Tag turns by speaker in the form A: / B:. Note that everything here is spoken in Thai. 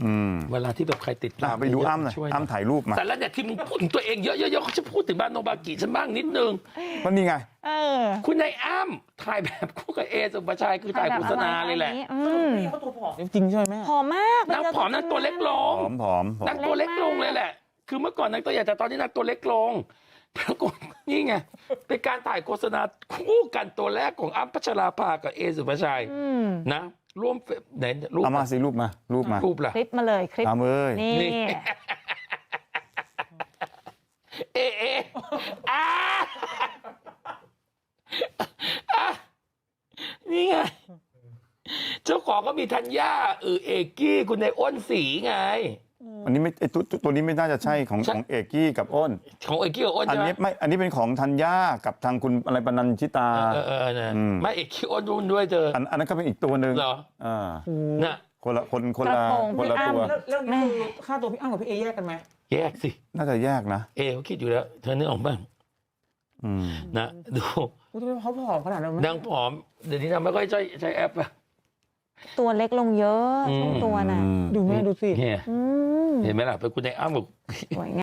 A: เวลาที่แบบใครติดตาม
B: ไปดูอ้ำหน่อยอ้ำถ่ายรูปมา
A: แต่แล้วเนี่ยที่มึงพูดถึงตัวเองเยอะๆเขาจะพูดถึงบ้านโนบากิฉันบ้างนิดนึง
B: ก็นี่ไง
A: คุณนายอ้ำถ่ายแบบคู่กับเอสุภาชัยคือถ่ายโฆษณาเลยแหละ
C: เขาตัวผอมจริงใช่ไหมแม่
D: ผอมมาก
A: นางผอมนางตัวเล็กลง
B: ผอม
A: นางตัวเล็กลงเลยแหละคือเมื่อก่อนนางตัวใหญ่แต่ตอนนี้นางตัวเล็กลงปรากฏนี่ไงเป็นการถ่ายโฆษณาคู่กันตัวแรกของอ้ำพัชราภากับเอสุภาชัยนะร่วมไหนรูป
B: เอามาสิรูปมารูป
A: ล่ะ
D: คลิปมาเลยคลิป
B: เอามือ
D: นี่
A: นี่ไงเจ้าของก็มีธัญญาเอกกี้คุณนายอ้นสีไง
B: อันนี้ไม่ตัวนี้ไม่น่าจะใช่ของเอกกี้กับอ้น
A: ของเอกกี้กับอ้น
B: อันนี้ไม่อันนี้เป็นของธัญญากับทางคุณอะไรปนัญชิตา
A: ไม่เอกกี้อ้นรุ่นด้วยเธอ
B: อันนั้นก็เป็นอีกตัวหนึ่ง
A: เหรอน่ะ
B: คนละตัว
C: แล้วนี่คือค่าตัวพี่อ้ำกับพี่เอแยกกันไหม
A: แยกสิ
B: น่าจะแยกนะ
A: เขาคิดอยู่แล้วเธอนึกออกบ้างนะดู
C: เขาผอมขนาดนั้น
A: นางผอมเดี๋ยวนี้นางไม่ค่อยใช้แอปอะ
D: ตัวเล็กลงเยอะช่วงตัวน่ะ
C: ดูแม่ดูสิ
A: เห็นไหมล่ะเป็นคุณนายอ้ำบอก